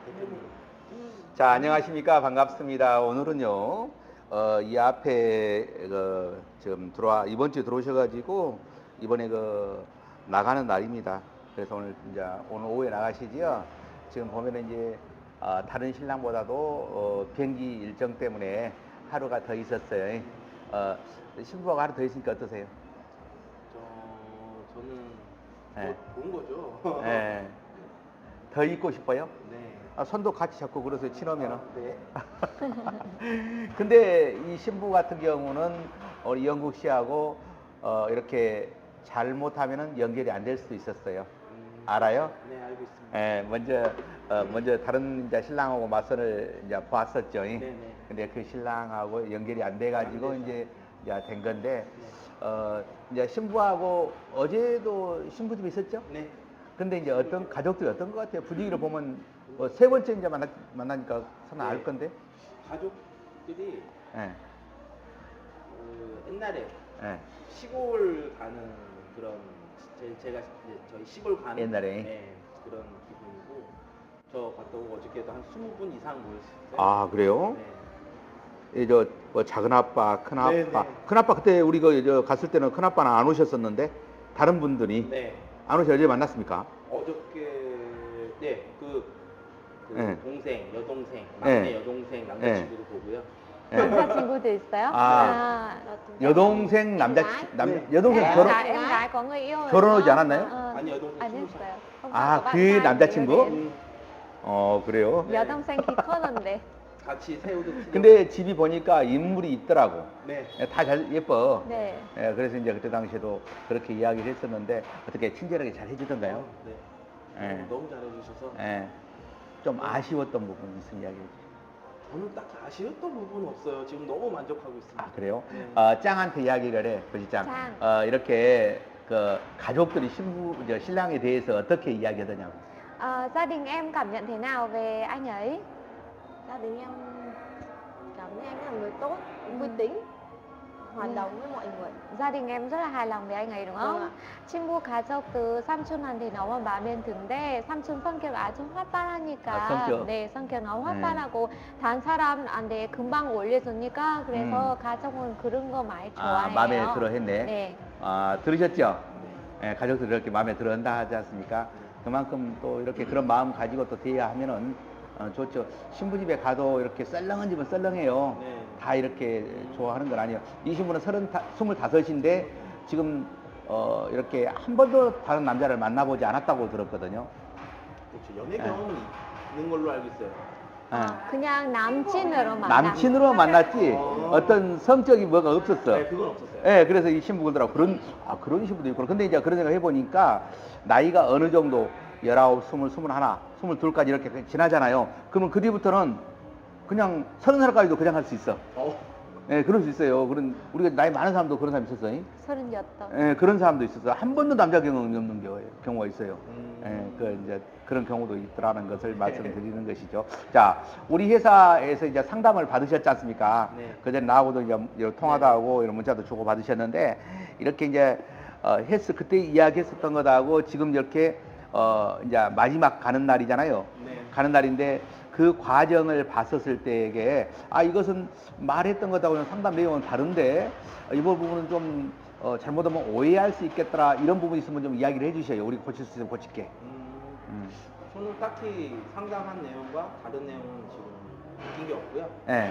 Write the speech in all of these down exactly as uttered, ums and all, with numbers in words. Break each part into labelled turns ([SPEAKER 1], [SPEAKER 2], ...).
[SPEAKER 1] 대표님.
[SPEAKER 2] 자, 안녕하십니까. 반갑습니다. 오늘은요, 어, 이 앞에, 그, 지금 들어와, 이번 주에 들어오셔가지고, 이번에 그, 나가는 날입니다. 그래서 오늘, 이제, 오늘 오후에 나가시지요. 지금 보면은 이제, 어, 다른 신랑보다도, 어, 비행기 일정 때문에 하루가 더 있었어요. 어, 신부가 하루 더 있으니까 어떠세요?
[SPEAKER 1] 저 저는
[SPEAKER 2] 네.
[SPEAKER 1] 뭐 좋은 거죠.
[SPEAKER 2] 예. 더 있고 싶어요?
[SPEAKER 1] 네.
[SPEAKER 2] 아, 손도 같이 잡고 그러세요, 친하면은.
[SPEAKER 1] 네.
[SPEAKER 2] 근데 이 신부 같은 경우는 우리 영국 씨하고 어, 이렇게 잘못하면은 연결이 안 될 수도 있었어요.
[SPEAKER 1] 음,
[SPEAKER 2] 알아요?
[SPEAKER 1] 네, 알고 있습니다.
[SPEAKER 2] 예, 먼저 어, 먼저 다른 이제 신랑하고 맞선을 이제 봤었죠.
[SPEAKER 1] 네네.
[SPEAKER 2] 근데 그 신랑하고 연결이 안 돼가지고
[SPEAKER 1] 안 돼서.
[SPEAKER 2] 이제 이제 된 건데
[SPEAKER 1] 네.
[SPEAKER 2] 어, 이제 신부하고 어제도 신부 집에 있었죠?
[SPEAKER 1] 네.
[SPEAKER 2] 근데 이제 어떤 가족들이 어떤 것 같아요? 분위기를 보면 뭐 세 번째 이제 만나, 만나니까 서로 알
[SPEAKER 1] 네.
[SPEAKER 2] 건데.
[SPEAKER 1] 가족들이
[SPEAKER 2] 예.
[SPEAKER 1] 그 옛날에
[SPEAKER 2] 예.
[SPEAKER 1] 시골 가는 그런 제, 제가 이제 저희 시골 가는
[SPEAKER 2] 옛날에?
[SPEAKER 1] 네, 그런 기분이고 저 갔다 오고 어저께도 한 스무 분 이상 모였어요.
[SPEAKER 2] 아, 그래요?
[SPEAKER 1] 네.
[SPEAKER 2] 이 저 뭐 작은 아빠, 큰 아빠.
[SPEAKER 1] 네, 네.
[SPEAKER 2] 큰 아빠 그때 우리 그저 갔을 때는 큰 아빠는 안 오셨었는데 다른 분들이
[SPEAKER 1] 네.
[SPEAKER 2] 안 오셔 어제 만났습니까?
[SPEAKER 1] 어저께 네, 그, 그
[SPEAKER 2] 네.
[SPEAKER 1] 동생, 여동생, 막내
[SPEAKER 2] 네.
[SPEAKER 1] 여동생 남자친구도 보고요.
[SPEAKER 2] 예.
[SPEAKER 3] 남자친구도 있어요?
[SPEAKER 2] 아, 여동생 남자 남
[SPEAKER 1] 네.
[SPEAKER 2] 여동생
[SPEAKER 3] em
[SPEAKER 2] 결혼
[SPEAKER 3] gái, em gái có người yêu rồi
[SPEAKER 2] 결혼하지
[SPEAKER 3] đúng không?
[SPEAKER 2] 않았나요?
[SPEAKER 3] Ờ,
[SPEAKER 1] 아니 여동생
[SPEAKER 3] 안
[SPEAKER 1] 스무 살.
[SPEAKER 3] 했어요. Không
[SPEAKER 2] 아,
[SPEAKER 3] có bạn
[SPEAKER 2] 그
[SPEAKER 3] trai
[SPEAKER 2] 남자친구?
[SPEAKER 3] người yêu đến.
[SPEAKER 2] 어, 그래요?
[SPEAKER 1] 네.
[SPEAKER 3] 여동생 키 컸는데.
[SPEAKER 1] 같이 새우도 튀겨.
[SPEAKER 2] 근데 집이 보니까 인물이 있더라고.
[SPEAKER 1] 네.
[SPEAKER 2] 다 잘 예뻐.
[SPEAKER 3] 네.
[SPEAKER 2] 예, 그래서 이제 그때 당시에도 그렇게 이야기를 했었는데 어떻게 친절하게 잘 해주던가요?
[SPEAKER 1] 네.
[SPEAKER 2] 예.
[SPEAKER 1] 너무 잘해주셔서
[SPEAKER 2] 예. 좀 아쉬웠던 부분이 있으면 이야기해 주세요.
[SPEAKER 1] 저는 딱히 아쉬웠던 부분은 없어요. 지금 너무 만족하고 있습니다.
[SPEAKER 2] 아, 그래요?
[SPEAKER 1] 네.
[SPEAKER 2] 어, 짱한테 이야기를 해, 거지짱.
[SPEAKER 3] 짱.
[SPEAKER 2] 어, 이렇게 그 가족들이 신부, 저 신랑에 대해서 어떻게 이야기하더냐고.
[SPEAKER 3] Ờ, gia đình em cảm nhận thế nào về anh ấy?
[SPEAKER 4] Gia đình em cảm thấy anh là người tốt, vui tính, hòa
[SPEAKER 3] Ừ.
[SPEAKER 4] đồng với mọi người.
[SPEAKER 3] Gia đình em rất là hài lòng với anh ấy đúng
[SPEAKER 4] Vâng
[SPEAKER 3] không?
[SPEAKER 4] ạ.
[SPEAKER 3] 친구 가족들 삼촌한테 너무 마음에 든데 삼촌 성격 아주 활발하니까
[SPEAKER 2] 아, 성격?
[SPEAKER 3] 네 성격 너무 활발하고 다른 사람한테 금방 올려주니까 그래서
[SPEAKER 4] 음.
[SPEAKER 3] 가족은 그런 거 많이
[SPEAKER 2] 아,
[SPEAKER 3] 좋아해요.
[SPEAKER 2] 마음에 들어 했네.
[SPEAKER 3] 네.
[SPEAKER 2] 아, 들으셨죠? 예, 가족들이 이렇게 마음에 들어 한다 하지 않습니까? 그만큼 또 이렇게 그런 마음 가지고 또 대해야 하면은 어, 좋죠. 신부 집에 가도 이렇게 썰렁한 집은 썰렁해요.
[SPEAKER 1] 네.
[SPEAKER 2] 다 이렇게 좋아하는 건 아니에요. 이 신부는 서른, 스물다섯인데 지금 어, 이렇게 한 번도 다른 남자를 만나보지 않았다고 들었거든요.
[SPEAKER 1] 그렇죠. 연애
[SPEAKER 2] 네.
[SPEAKER 1] 경험은 있는 걸로 알고 있어요.
[SPEAKER 2] 예.
[SPEAKER 3] 아, 그냥 남친으로 만나.
[SPEAKER 2] 남친으로 만났지
[SPEAKER 1] 어.
[SPEAKER 2] 어떤 성적인 뭐가 없었어.
[SPEAKER 1] 네, 그건 없었어요.
[SPEAKER 2] 예, 그래서 이 신부 그러더라고. 그런, 아, 그런 신부도 있구나. 근데 이제 그런 생각 해보니까 나이가 어느 정도 열아홉, 스물, 스물하나, 스물둘까지 이렇게 지나잖아요. 그러면 그 뒤부터는 그냥 서른 살까지도 그냥 할 수 있어.
[SPEAKER 1] 어.
[SPEAKER 2] 예, 그럴 수 있어요. 그런, 우리가 나이 많은 사람도 그런 사람 있었어요.
[SPEAKER 3] 서른여덟.
[SPEAKER 2] 예, 그런 사람도 있었어요. 한 번도 남자 경험이 없는 경우- 경우가 있어요.
[SPEAKER 1] 음.
[SPEAKER 2] 예, 그 이제 그런 경우도 있더라는 것을 말씀드리는 것이죠. 자, 우리 회사에서 이제 상담을 받으셨지 않습니까?
[SPEAKER 1] 네.
[SPEAKER 2] 그전에 나하고도 이제 이런 통화도 하고 이런 문자도 주고 받으셨는데 이렇게 이제 어, 헬스 그때 이야기했었던 것하고 지금 이렇게 어, 이제 마지막 가는 날이잖아요.
[SPEAKER 1] 네.
[SPEAKER 2] 가는 날인데 그 과정을 봤었을 때에게 아 이것은 말했던 것하고는 상담 내용은 다른데 어, 이 부분은 좀 어, 잘못하면 오해할 수 있겠더라 이런 부분이 있으면 좀 이야기를 해주셔요. 우리 고칠 수 있으면 고칠게.
[SPEAKER 1] 음,
[SPEAKER 2] 음.
[SPEAKER 1] 저는 딱히 상담한 내용과 다른 내용은 지금 느낀 게 없고요.
[SPEAKER 2] 예.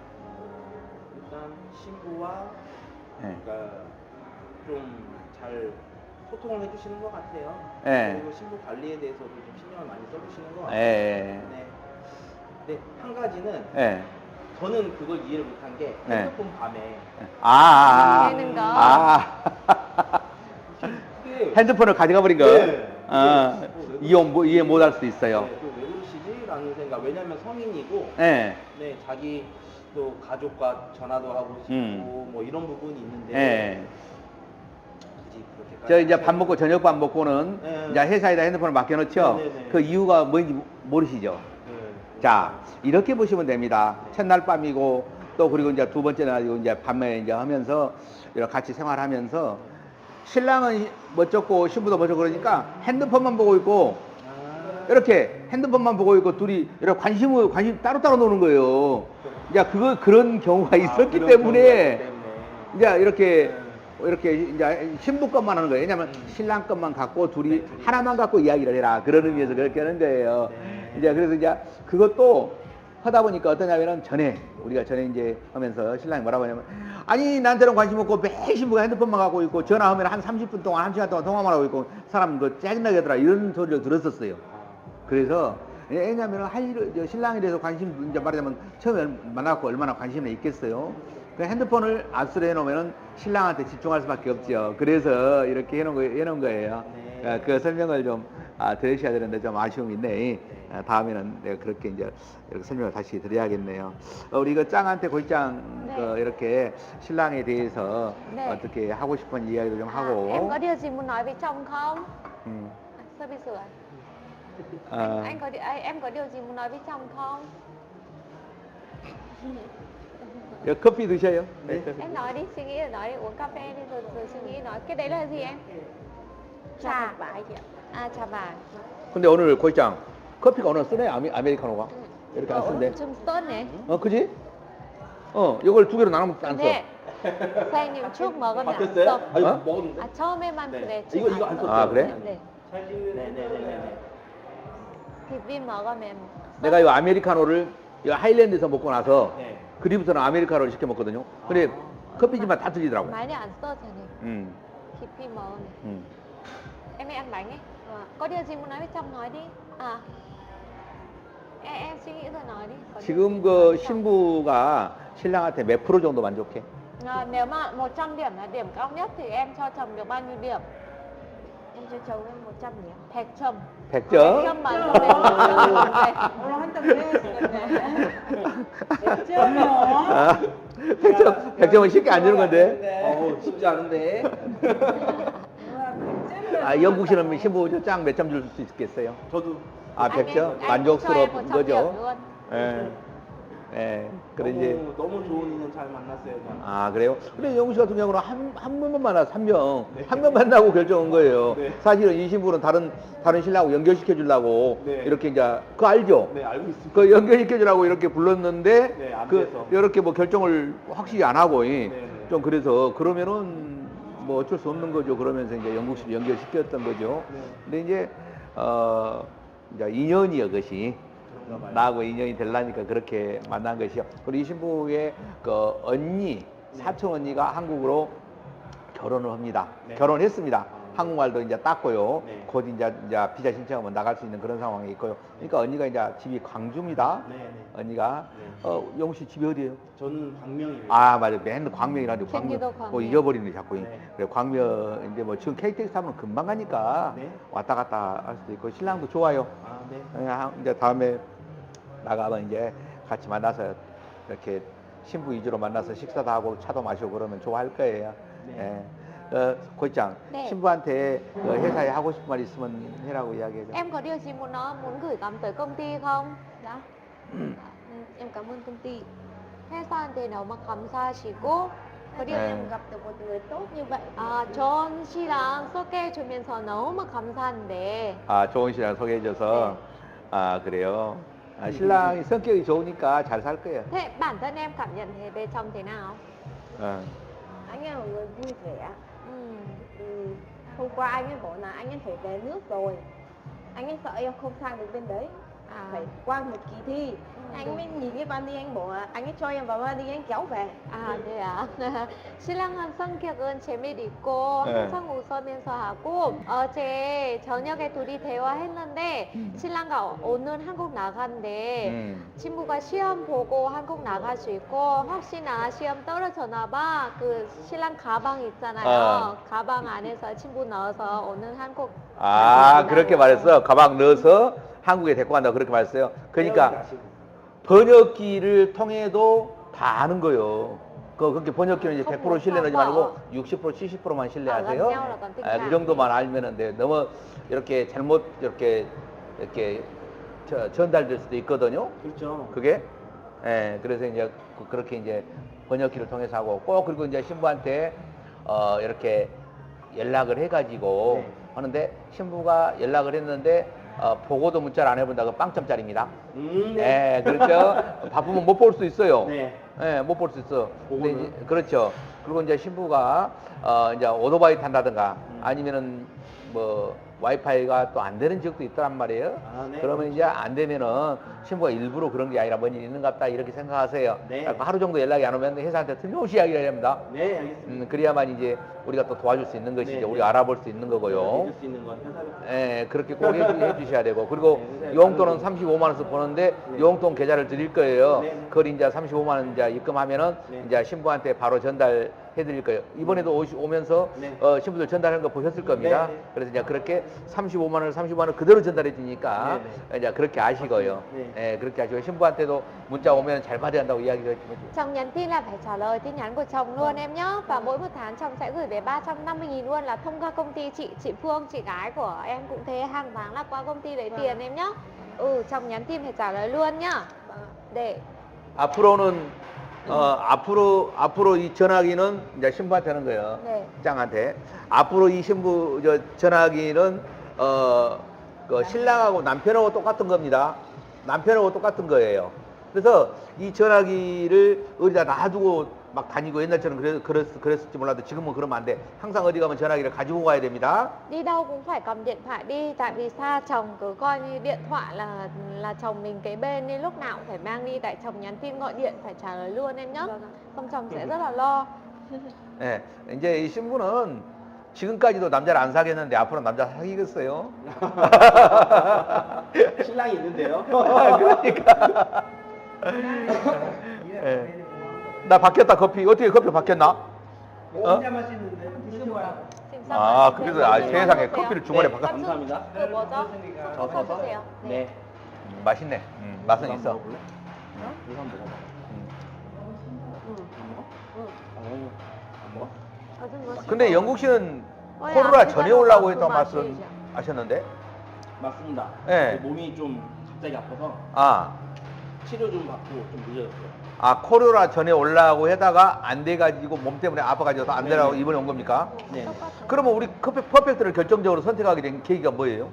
[SPEAKER 1] 어, 일단 신부와
[SPEAKER 2] 예.
[SPEAKER 1] 그러니까 좀 잘 소통을 해주시는 것 같아요.
[SPEAKER 2] 예.
[SPEAKER 1] 그리고 신부 관리에 대해서도 좀 신경을 많이 써주시는 것
[SPEAKER 2] 예.
[SPEAKER 1] 같아요.
[SPEAKER 2] 예.
[SPEAKER 1] 네. 근데 한 가지는
[SPEAKER 2] 예.
[SPEAKER 1] 저는 그걸 이해를 못한 게
[SPEAKER 2] 네.
[SPEAKER 1] 핸드폰 밤에
[SPEAKER 2] 아, 아, 아,
[SPEAKER 3] 되는 거.
[SPEAKER 2] 아.
[SPEAKER 1] 이게
[SPEAKER 2] 핸드폰을 가져가 버린 거.
[SPEAKER 1] 네.
[SPEAKER 2] 어,
[SPEAKER 1] 이게 뭐 왜
[SPEAKER 2] 이해, 뭐, 이해 못 할 수도 있어요.
[SPEAKER 1] 네, 또왜 그러시지? 라는 생각. 왜냐면 성인이고
[SPEAKER 2] 예.
[SPEAKER 1] 네, 자기 또 가족과 전화도 하고 싶고
[SPEAKER 2] 음.
[SPEAKER 1] 뭐 이런 부분이 있는데
[SPEAKER 2] 예.
[SPEAKER 1] 굳이 그렇게까지
[SPEAKER 2] 저 이제 밥
[SPEAKER 1] 하셔야-
[SPEAKER 2] 먹고 저녁 밥 먹고는
[SPEAKER 1] 네.
[SPEAKER 2] 이제 회사에다 핸드폰을 맡겨놓죠.
[SPEAKER 1] 네, 네, 네.
[SPEAKER 2] 그 이유가 뭔지 모르시죠.
[SPEAKER 1] 네.
[SPEAKER 2] 자, 이렇게 보시면 됩니다. 첫날 밤이고 또 그리고 이제 두 번째 날이고 이제 밤에 이제 하면서 이렇게 같이 생활하면서 신랑은 멋졌고 신부도 멋졌고 그러니까 핸드폰만 보고 있고
[SPEAKER 1] 아.
[SPEAKER 2] 이렇게 핸드폰만 보고 있고 둘이 이렇게 관심을 관심 따로따로 노는 거예요. 이제 그거 그런 경우가 있었기
[SPEAKER 1] 그런
[SPEAKER 2] 때문에
[SPEAKER 1] 경우가 있기 때문에.
[SPEAKER 2] 이제 이렇게
[SPEAKER 1] 네.
[SPEAKER 2] 이렇게 이제 신부 것만 하는 거예요. 왜냐면 신랑 것만 갖고 둘이
[SPEAKER 1] 네, 둘이.
[SPEAKER 2] 하나만 갖고 이야기를 해라. 그런 의미에서 그렇게 하는 거예요.
[SPEAKER 1] 네.
[SPEAKER 2] 이제 그래서 이제 그것도 하다 보니까 어떠냐면은 전에 우리가 전에 이제 하면서 신랑이 뭐라고 하냐면 아니 나한테는 관심 없고 매 신부가 핸드폰만 갖고 있고 전화하면 한 삼십 분 동안 한 시간 동안 통화만 하고 있고 사람 그 짜증나게 하더라 이런 소리를 들었었어요. 그래서 왜냐하면 할 일, 저 신랑에 대해서 관심 이제 말하자면 처음에 만나고 얼마나 관심이 있겠어요. 그 핸드폰을 압수를 해놓으면은 신랑한테 집중할 수밖에 없죠. 그래서 이렇게 해놓은, 거, 해놓은 거예요.
[SPEAKER 1] 네.
[SPEAKER 2] 어, 그 설명을 좀 아, 들으셔야 되는데 좀 아쉬움이 있네. 아, 다음에는 내가 그렇게 이제 이렇게 설명을 다시 드려야겠네요. 어, 우리 그 짱한테 고이짱
[SPEAKER 3] 네.
[SPEAKER 2] 그 이렇게 신랑에 대해서
[SPEAKER 3] 네.
[SPEAKER 2] 어떻게 하고 싶은 이야기도 좀
[SPEAKER 3] À,
[SPEAKER 2] 하고.
[SPEAKER 3] em có điều gì muốn nói với chồng không?
[SPEAKER 2] 음,
[SPEAKER 3] À, sơ bị sửa.
[SPEAKER 2] 어,
[SPEAKER 3] Anh, anh có đi- à, em có điều gì muốn nói với chồng không?
[SPEAKER 2] 여, 커피 드셔요?
[SPEAKER 1] 네.
[SPEAKER 3] Em nói đi, suy nghĩ rồi nói đi, uống cà phê đi rồi, rồi suy nghĩ nói. Cái đấy là gì em?
[SPEAKER 4] Trà vải chị ạ.
[SPEAKER 3] À, trà vàng.
[SPEAKER 2] 근데 오늘 고이짱 커피가 오늘 쓰네 아메, 아메리카노가 이렇게 안
[SPEAKER 3] Ồ,
[SPEAKER 2] 쓴대.
[SPEAKER 3] 좀 쏘네.
[SPEAKER 2] 어 그지? 어 이걸 두 개로 나누면 안 써.
[SPEAKER 3] 근데 사장님 쭉 먹으면 안
[SPEAKER 1] 바뀌었어요?
[SPEAKER 3] 써.
[SPEAKER 1] 아니
[SPEAKER 2] 어?
[SPEAKER 1] 먹었는데.
[SPEAKER 3] 아, 처음에만
[SPEAKER 1] 네.
[SPEAKER 3] 그래.
[SPEAKER 1] 이거- 이거 안
[SPEAKER 3] 써.
[SPEAKER 1] 썼어요.
[SPEAKER 2] 아, 그래?
[SPEAKER 3] 네.
[SPEAKER 1] 네네네네.
[SPEAKER 3] 비빔 먹으면
[SPEAKER 2] 내가 이 아메리카노를 이 하일랜드에서 먹고 나서
[SPEAKER 1] 네.
[SPEAKER 2] 그리부터는 아메리카노를 시켜 먹거든요. 근데 커피집만 다 틀리더라고요.
[SPEAKER 3] 많이 안 써, 사장님.
[SPEAKER 2] 음,
[SPEAKER 3] 비빔 먹으면.
[SPEAKER 2] 음.
[SPEAKER 3] Em đi ăn bánh ấy. Có điều gì muốn nói với chồng nói đi. À. Em, em suy nghĩ rồi nói đi. Có điều gì
[SPEAKER 2] 지금
[SPEAKER 3] muốn nói
[SPEAKER 2] 그
[SPEAKER 3] với chồng?
[SPEAKER 2] 신부가 신랑한테 몇 프로 정도 만족해?
[SPEAKER 3] À, nếu mà một trăm điểm là điểm cao nhất thì em cho chồng được bao nhiêu điểm?
[SPEAKER 4] Em cho chồng em một trăm điểm.
[SPEAKER 3] 백 점.
[SPEAKER 2] 백
[SPEAKER 3] 백
[SPEAKER 2] 점?
[SPEAKER 3] 점 만점에 백 점. 네.
[SPEAKER 2] 아, 백 점, 백 점은 쉽게 안 주는 건데.
[SPEAKER 1] 어우 쉽지 않은데.
[SPEAKER 2] 아, 영국식은 신부 짱 몇 점 줄 수 있겠어요?
[SPEAKER 1] 저도
[SPEAKER 2] 아,
[SPEAKER 3] Anh
[SPEAKER 2] 백
[SPEAKER 3] em-
[SPEAKER 2] 점?
[SPEAKER 3] anh cho em
[SPEAKER 2] 만족스러운
[SPEAKER 3] một trăm điểm
[SPEAKER 2] 거죠?
[SPEAKER 3] luôn.
[SPEAKER 2] 예. 예. 그래 이제
[SPEAKER 1] 너무 너무 좋은 인연 잘 만났어요. 저는.
[SPEAKER 2] 아 그래요? 근데 영국 씨 같은 경우는 한, 한 명만 만나서 한 명, 한 명 만나고 결정한 거예요.
[SPEAKER 1] 네.
[SPEAKER 2] 사실은 이 신부는 다른 다른 신랑하고 연결시켜 주려고
[SPEAKER 1] 네.
[SPEAKER 2] 이렇게 이제 그거 알죠?
[SPEAKER 1] 네 알고 있습니다.
[SPEAKER 2] 그 연결시켜 주려고 이렇게 불렀는데
[SPEAKER 1] 네, 안
[SPEAKER 2] 그
[SPEAKER 1] 돼서.
[SPEAKER 2] 이렇게 뭐 결정을 확실히 안 하고 이
[SPEAKER 1] 네, 네.
[SPEAKER 2] 좀 그래서 그러면은 뭐 어쩔 수 없는 거죠. 그러면서 이제 영국식 연결시켰던 거죠.
[SPEAKER 1] 네.
[SPEAKER 2] 근데 이제 어 이제 인연이요 것이
[SPEAKER 1] 그런가 봐요.
[SPEAKER 2] 나하고 인연이 되려니까 그렇게 만난 것이요. 그리고 이 신부의 그 언니, 사촌 언니가 한국으로 결혼을 합니다.
[SPEAKER 1] 네.
[SPEAKER 2] 결혼했습니다.
[SPEAKER 1] 아.
[SPEAKER 2] 한국말도 이제 땄고요.
[SPEAKER 1] 네.
[SPEAKER 2] 곧 이제, 이제 비자 신청하면 나갈 수 있는 그런 상황이 있고요. 그러니까 언니가 이제 집이 광주입니다.
[SPEAKER 1] 네, 네.
[SPEAKER 2] 언니가
[SPEAKER 1] 네.
[SPEAKER 2] 어, 영우 씨 집이 어디예요?
[SPEAKER 1] 저는 광명입니다.
[SPEAKER 2] 아 맞아, 맨날 광명이라는데 광명
[SPEAKER 3] 경기도
[SPEAKER 2] 뭐
[SPEAKER 3] 광명.
[SPEAKER 2] 잊어버리네 자꾸.
[SPEAKER 1] 네.
[SPEAKER 2] 그래 광명 이제 뭐 지금 케이티엑스 타면 금방 가니까
[SPEAKER 1] 네.
[SPEAKER 2] 왔다 갔다 할 수도 있고 신랑도 좋아요.
[SPEAKER 1] 아 네.
[SPEAKER 2] 그냥 이제 다음에 나가면 이제 같이 만나서 이렇게 신부 위주로 만나서 식사도 하고 차도 마시고 그러면 좋아할 거예요.
[SPEAKER 1] 네.
[SPEAKER 2] 예. 어, 고장
[SPEAKER 3] 네.
[SPEAKER 2] 신부한테 그 회사에 하고 싶은 말 있으면 해라고 이야기해줘.
[SPEAKER 3] Em có điều gì muốn nói, muốn gửi gắm tới công ty không?
[SPEAKER 4] Dạ.
[SPEAKER 3] Ừ,
[SPEAKER 4] Em cảm ơn công ty.
[SPEAKER 3] 회사한테 너무 감사하시고 có điều
[SPEAKER 2] 네.
[SPEAKER 4] Em gặp được một người tốt như vậy.
[SPEAKER 3] 아, 전 씨랑 소개해주면서 너무 감사한데
[SPEAKER 2] 아 좋은 신랑 소개해줘서 아 그래요. 아, 신랑이 성격이 좋으니까 잘 살 거예요.
[SPEAKER 3] thế bản thân em cảm nhận thế về chồng thế nào?
[SPEAKER 2] 어.
[SPEAKER 4] Anh ấy là một người vui vẻ.
[SPEAKER 3] Ừ.
[SPEAKER 4] Ừ, hôm qua anh ấy bảo là anh ấy phải về nước rồi. Anh ấy sợ em không sang được bên đấy.
[SPEAKER 3] À,
[SPEAKER 4] Phải qua một kỳ thi.
[SPEAKER 3] Ừ.
[SPEAKER 4] Anh mới nhìn cái vali anh bảo là anh ấy cho em vào vali anh kéo về.
[SPEAKER 3] 아, 네야. 신랑은 성격은 재미도 있고
[SPEAKER 2] 네.
[SPEAKER 3] 항상 웃으면서 하고 어제 저녁에 둘이 대화했는데 신랑과 오늘 한국 나간대.
[SPEAKER 2] 음.
[SPEAKER 3] 친구가 시험 보고 한국 나갈 수 있고 혹시나 시험 떨어졌나 봐. 그 신랑 가방 있잖아요.
[SPEAKER 2] 어.
[SPEAKER 3] 가방 안에서 친구 넣어서 오늘 한국
[SPEAKER 2] 아
[SPEAKER 3] 가신다고.
[SPEAKER 2] 그렇게 말했어. 가방 넣어서 한국에 데리고 간다고 그렇게 말했어요. 그러니까
[SPEAKER 1] 가시고.
[SPEAKER 2] 번역기를 통해도 다 아는 거예요. 그 그렇게 번역기는 이제 백 퍼센트 신뢰하지
[SPEAKER 3] 뭐,
[SPEAKER 2] 말고 육십 퍼센트, 칠십 퍼센트만 신뢰하세요.
[SPEAKER 3] 아, 그냥 그런
[SPEAKER 2] 아, 그 정도만 알면은 돼. 너무 이렇게 잘못 이렇게 이렇게 저- 전달될 수도 있거든요.
[SPEAKER 1] 그렇죠.
[SPEAKER 2] 그게 예, 그래서 이제 그- 그렇게 이제 번역기를 통해서 하고 꼭 그리고 이제 신부한테 어 이렇게 연락을 해가지고
[SPEAKER 1] 네.
[SPEAKER 2] 하는데 신부가 연락을 했는데 어, 보고도 문자를 안 해본다고 빵점짜리입니다.
[SPEAKER 1] 음, 네.
[SPEAKER 2] 예, 그렇죠. 바쁘면 못 볼 수 있어요.
[SPEAKER 1] 네.
[SPEAKER 2] 예, 못 볼 수 있어. 근데
[SPEAKER 1] 보고는?
[SPEAKER 2] 이제, 그렇죠. 그리고 이제 신부가 어, 이제 오토바이 탄다든가
[SPEAKER 1] 음.
[SPEAKER 2] 아니면은 뭐 와이파이가 또 안 되는 지역도 있단 말이에요.
[SPEAKER 1] 아, 네.
[SPEAKER 2] 그러면 이제 안 되면은 신부가 일부러 그런 게 아니라 뭔 일이 있는 것 같다 이렇게 생각하세요.
[SPEAKER 1] 네.
[SPEAKER 2] 그래서 하루 정도 연락이 안 오면 회사한테 틀림없이 이야기를 해야 합니다.
[SPEAKER 1] 네, 알겠습니다.
[SPEAKER 2] 음, 그래야만 이제 우리가 또 도와줄 수 있는 것이죠.
[SPEAKER 1] 네,
[SPEAKER 2] 우리가
[SPEAKER 1] 네.
[SPEAKER 2] 알아볼 수 있는 거고요.
[SPEAKER 1] 해줄 수 있는 건 회사로.
[SPEAKER 2] 예, 그렇게 꼭 해주, 해주셔야 되고 그리고
[SPEAKER 1] 네, 네,
[SPEAKER 2] 용돈은
[SPEAKER 1] 네.
[SPEAKER 2] 삼십오만 원씩 버는데
[SPEAKER 1] 네.
[SPEAKER 2] 용돈 계좌를 드릴 거예요.
[SPEAKER 1] 네, 네.
[SPEAKER 2] 그걸 이제 삼십오만 원 이제 입금하면은
[SPEAKER 1] 네.
[SPEAKER 2] 이제 신부한테 바로 전달해 드릴 거예요. 이번에도 오시, 오면서
[SPEAKER 1] 네.
[SPEAKER 2] 어, 신부들 전달하는 거 보셨을 겁니다.
[SPEAKER 1] 네, 네.
[SPEAKER 2] 그래서 이제 그렇게 삼십오만 원, 삼십오만 원 그대로 전달해 주니까
[SPEAKER 1] 네,
[SPEAKER 2] 이제 그렇게 아시고요.
[SPEAKER 1] 네.
[SPEAKER 2] 예, 그렇게 아시고 신부한테도 문자 오면 잘 받아야 한다고 이야기해 주면
[SPEAKER 3] Chồng nhắn tin là phải trả lời tin nhắn của chồng luôn em nhé. Và mỗi một tháng chồng sẽ gửi về ba trăm năm mươi nghìn luôn là thông qua công ty chị, chị Phương, chị gái của em cũng thế. Hàng tháng là qua công ty lấy tiền em nhé. Ừ, chồng nhắn tin phải trả lời luôn nhá. Để
[SPEAKER 2] 앞으로는 어, 앞으로 앞으로 이 전화기는 이제 신부한테 하는 거예요.
[SPEAKER 3] 네.
[SPEAKER 2] 짱한테. 앞으로 이 신부 저 전화기는 어, 그 신랑하고 남편하고 똑같은 겁니다. 남편하고 똑같은 거예요. 그래서 이 전화기를 어디다 놔두고 막 다니고 옛날처럼 그랬, 그랬, 그랬을지 몰라도 지금은 그러면 안 돼. 항상 어디 가면 전화기를 가지고 가야 됩니다.
[SPEAKER 3] đi đâu cũng phải cầm điện thoại đi. Tại vì xa chồng cứ coi như điện thoại là là chồng mình kế bên nên lúc nào cũng phải mang đi. Tại chồng nhắn tin gọi điện phải trả lời luôn em nhé. Không chồng sẽ rất là lo.
[SPEAKER 2] 네, 이제 이 신부는 지금까지도 남자를 안 사귀었는데 앞으로 남자 사귀겠어요?
[SPEAKER 1] 신랑이 있는데요.
[SPEAKER 2] 그러니까. 예. 나 바뀌었다 커피. 어떻게 커피 바뀌었나? 어?
[SPEAKER 1] 혼자 마시는데 드셔봐요.
[SPEAKER 3] Xin
[SPEAKER 2] 아,
[SPEAKER 3] chào
[SPEAKER 2] 그래서
[SPEAKER 3] anh.
[SPEAKER 2] 아,
[SPEAKER 3] 네,
[SPEAKER 2] 세상에
[SPEAKER 3] 먹으세요.
[SPEAKER 2] 커피를 중간에
[SPEAKER 1] 네.
[SPEAKER 2] 바꿔.
[SPEAKER 1] 감사합니다.
[SPEAKER 3] 그 뭐죠?
[SPEAKER 1] 저
[SPEAKER 3] 섞어
[SPEAKER 1] 서서.
[SPEAKER 3] 주세요. 네.
[SPEAKER 1] 네.
[SPEAKER 2] 음, 맛있네. 음, 맛은
[SPEAKER 1] 이거
[SPEAKER 2] 있어.
[SPEAKER 1] 한번 먹어볼래? 이거 한번 먹어봐. 안 먹어? 안 먹어?
[SPEAKER 3] 어, 좀 멋있어.
[SPEAKER 2] 근데 영국 씨는
[SPEAKER 3] 어, 야,
[SPEAKER 2] 코로나
[SPEAKER 3] 앞에다가
[SPEAKER 2] 전에 올라고
[SPEAKER 3] 그
[SPEAKER 2] 했던
[SPEAKER 3] 맛이
[SPEAKER 2] 말씀
[SPEAKER 3] 이제.
[SPEAKER 2] 하셨는데?
[SPEAKER 1] 맞습니다.
[SPEAKER 2] 네.
[SPEAKER 1] 몸이 좀 갑자기 아파서
[SPEAKER 2] 아,
[SPEAKER 1] 치료 좀 받고 좀 늦어졌어요.
[SPEAKER 2] 아 코로나 전에 올라고 하다가 안 돼가지고 몸 때문에 아파가지고 안 되라고
[SPEAKER 1] 네.
[SPEAKER 2] 이번에 온 겁니까?
[SPEAKER 1] 네.
[SPEAKER 3] 똑같아요.
[SPEAKER 2] 그러면 우리 커피 퍼펙트를 결정적으로 선택하게 된 계기가 뭐예요?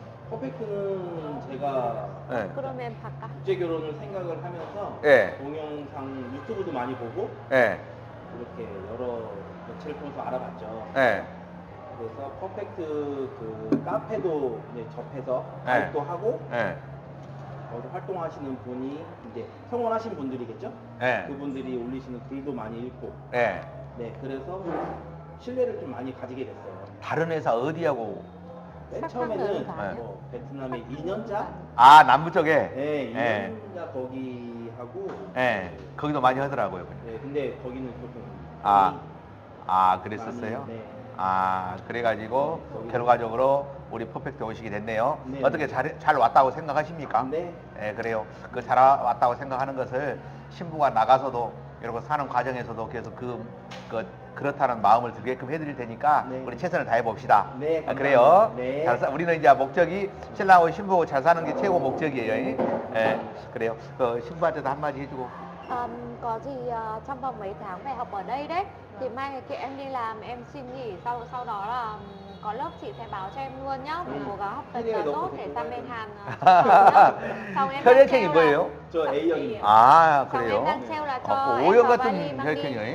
[SPEAKER 1] 퍼펙트는 제가
[SPEAKER 2] 예.
[SPEAKER 3] 그러면 바꿔.
[SPEAKER 1] 국제 결혼을 생각을 하면서
[SPEAKER 2] 예.
[SPEAKER 1] 동영상 유튜브도 많이 보고
[SPEAKER 2] 예.
[SPEAKER 1] 이렇게 여러 매체를 통해서 알아봤죠.
[SPEAKER 2] 예.
[SPEAKER 1] 그래서 퍼펙트 그 카페도 이제 접해서
[SPEAKER 2] 네.
[SPEAKER 1] 가입도 하고
[SPEAKER 2] 예.
[SPEAKER 1] 거기서 활동하시는 분이 이제 성원하신 분들이겠죠.
[SPEAKER 2] 예.
[SPEAKER 1] 그분들이 올리시는 글도 많이 읽고
[SPEAKER 2] 예.
[SPEAKER 1] 네 그래서 신뢰를 좀 많이 가지게 됐어요.
[SPEAKER 2] 다른 회사 어디하고?
[SPEAKER 1] 맨
[SPEAKER 3] 삭삭
[SPEAKER 1] 처음에는
[SPEAKER 3] 넣은 거 아니야?
[SPEAKER 1] 뭐 베트남의 이 년자
[SPEAKER 2] 아 남부 쪽에.
[SPEAKER 1] 네, 이
[SPEAKER 2] 예.
[SPEAKER 1] 년자 거기 하고
[SPEAKER 2] 예. 거기도 많이 하더라고요.
[SPEAKER 1] 네, 근데 거기는 조금
[SPEAKER 2] 아.
[SPEAKER 1] 많이-
[SPEAKER 2] 아 그랬었어요?
[SPEAKER 1] 많이, 네.
[SPEAKER 2] 아 그래가지고
[SPEAKER 1] 거기서-
[SPEAKER 2] 결과적으로 우리 퍼펙트 오시게 됐네요.
[SPEAKER 1] 네.
[SPEAKER 2] 어떻게 잘, 잘 왔다고 생각하십니까?
[SPEAKER 1] 네.
[SPEAKER 2] 예, 그래요. 그 잘 왔다고 생각하는 것을 신부가 나가서도 이러고 사는 과정에서도 계속 그, 그 그렇다는 마음을 들게끔 해드릴 테니까
[SPEAKER 1] 네.
[SPEAKER 2] 우리 최선을 다해 봅시다.
[SPEAKER 1] 네,
[SPEAKER 2] 아,
[SPEAKER 1] 감사합니다.
[SPEAKER 2] 그래요.
[SPEAKER 1] 네.
[SPEAKER 2] 잘 사- 우리는 이제 목적이 신랑하고 신부하고 잘 사는 게 최고 목적이에요. 예, 그래요. 그 신부한테도 한마디 해주고.
[SPEAKER 3] Um, có gì uh, trong vòng mấy tháng phải học ở đây đấy thì mai ngày kia em đi làm em xin nghỉ sau sau đó là um, có lớp chị sẽ báo cho em luôn nhá. Mình cố gắng học thật là tốt để sang bên Hàn uh, xuất khẩu nhá. Xong em đang
[SPEAKER 2] 혈액형이
[SPEAKER 3] treo là
[SPEAKER 2] 뭐예요?
[SPEAKER 1] 저 A형입니다.
[SPEAKER 2] 아
[SPEAKER 3] xong em
[SPEAKER 2] 그래요?
[SPEAKER 3] đang treo là cho
[SPEAKER 2] 어,
[SPEAKER 3] em
[SPEAKER 2] O형
[SPEAKER 3] vào
[SPEAKER 2] 같은
[SPEAKER 3] vali mang đi.
[SPEAKER 2] 혈액형이에요?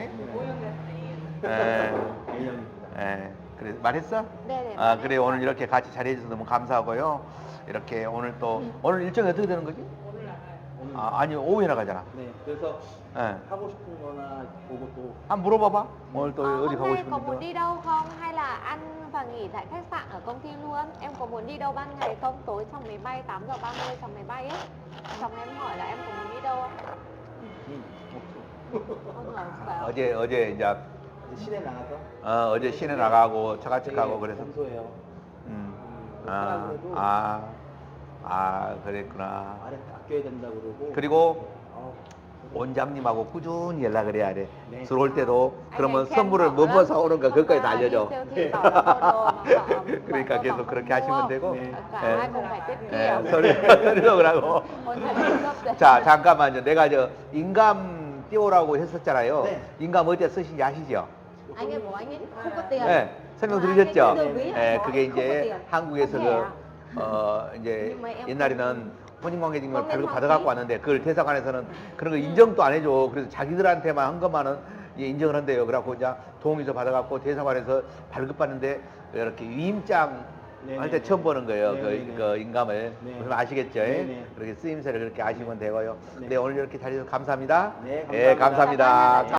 [SPEAKER 2] 예.
[SPEAKER 1] A형입니다.
[SPEAKER 2] 예, 그래 말했어?
[SPEAKER 3] 네네.
[SPEAKER 2] 아 그래 오늘 이렇게 같이 자리해주셔서 너무 감사하고요. 이렇게 오늘 또 오늘 일정이 어떻게 되는 거지?
[SPEAKER 1] 오늘
[SPEAKER 2] 아 아니 오후에 나가잖아.
[SPEAKER 1] 네, 그래서
[SPEAKER 2] 예.
[SPEAKER 1] 하고 싶은 거나 보고 또
[SPEAKER 2] 한번 물어봐봐. 오늘 또
[SPEAKER 3] Ờ,
[SPEAKER 2] 어디
[SPEAKER 3] hôm
[SPEAKER 2] 가고
[SPEAKER 3] nay có muốn
[SPEAKER 2] 싶은데.
[SPEAKER 3] đi đâu không hay là ăn và nghỉ tại khách sạn ở công ty luôn? Em có muốn đi đâu ban ngày không? Tối trong máy bay tám giờ ba mươi trong máy bay ấy. Chồng em hỏi là em có muốn đi đâu không?
[SPEAKER 1] 음,
[SPEAKER 3] Ôi giời, phải
[SPEAKER 2] 어제 어제 이제
[SPEAKER 1] 이제 시내 나가서
[SPEAKER 2] 어, 어제 시내 나가고 처갓집 가고 그래서.
[SPEAKER 1] 평소에요.
[SPEAKER 2] 음.
[SPEAKER 1] 음,
[SPEAKER 2] 아,
[SPEAKER 1] 사람들도
[SPEAKER 2] 아, 아 그랬구나.
[SPEAKER 1] 말에 아껴야 된다 그러고
[SPEAKER 2] 그리고
[SPEAKER 1] 어,
[SPEAKER 2] 원장님하고 꾸준히 연락을 해야 돼.
[SPEAKER 1] 네.
[SPEAKER 2] 들어올 때도
[SPEAKER 3] Anh
[SPEAKER 2] 그러면
[SPEAKER 3] ấy khen
[SPEAKER 2] 선물을
[SPEAKER 3] bảo
[SPEAKER 2] 뭐
[SPEAKER 3] lắm.
[SPEAKER 2] 뭐 사오는가 그것까지 다
[SPEAKER 3] Hoặc là đi
[SPEAKER 2] 알려줘.
[SPEAKER 3] siêu thị bảo là mua đồ mà bảo- bảo
[SPEAKER 2] 그러니까
[SPEAKER 3] mua
[SPEAKER 2] 계속
[SPEAKER 3] bảo
[SPEAKER 2] 그렇게
[SPEAKER 3] không
[SPEAKER 2] 하시면
[SPEAKER 3] mua.
[SPEAKER 2] 되고.
[SPEAKER 1] 네.
[SPEAKER 3] Cả
[SPEAKER 2] 예.
[SPEAKER 3] hai cùng phải tiết
[SPEAKER 2] 예,
[SPEAKER 3] kiệm.
[SPEAKER 2] 소리 소리도 하고.
[SPEAKER 3] Ôi trời, cướp đấy.
[SPEAKER 2] 자 잠깐만요. 내가 저 인감 띄우라고 했었잖아요.
[SPEAKER 3] 네.
[SPEAKER 2] 인감 어디에 쓰신지 아시죠?
[SPEAKER 4] Anh ấy bảo anh ấy không có tiền.
[SPEAKER 2] 네, 설명드리셨죠?
[SPEAKER 4] 네.
[SPEAKER 2] 예, 그게 이제
[SPEAKER 4] không có tiền.
[SPEAKER 2] 한국에서
[SPEAKER 4] Không
[SPEAKER 2] 그
[SPEAKER 4] thẻ.
[SPEAKER 2] 어 이제
[SPEAKER 4] Nhưng mà em
[SPEAKER 2] 옛날에는 혼인관계증명을
[SPEAKER 4] không nên
[SPEAKER 2] 발급
[SPEAKER 4] học
[SPEAKER 2] 받아갖고
[SPEAKER 4] phí.
[SPEAKER 2] 왔는데 그걸 대사관에서는 그런 거 인정도 안 해줘. 그래서 자기들한테만 한 것만은 이제 인정을 한대요. 그래갖고 이제 동의서 받아갖고 대사관에서 발급받는데 이렇게 위임장
[SPEAKER 1] 네네네.
[SPEAKER 2] 할 때 처음 보는 거예요.
[SPEAKER 1] 네네네.
[SPEAKER 2] 그, 그 인감을.
[SPEAKER 1] 네.
[SPEAKER 2] 그럼 아시겠죠?
[SPEAKER 1] 네네.
[SPEAKER 2] 그렇게 쓰임새를 그렇게 아시면 되고요.
[SPEAKER 1] 네.
[SPEAKER 2] 네, 오늘 이렇게 자리해서 감사합니다.
[SPEAKER 1] 네,
[SPEAKER 2] 예,
[SPEAKER 1] 감사합니다.
[SPEAKER 2] 감사합니다.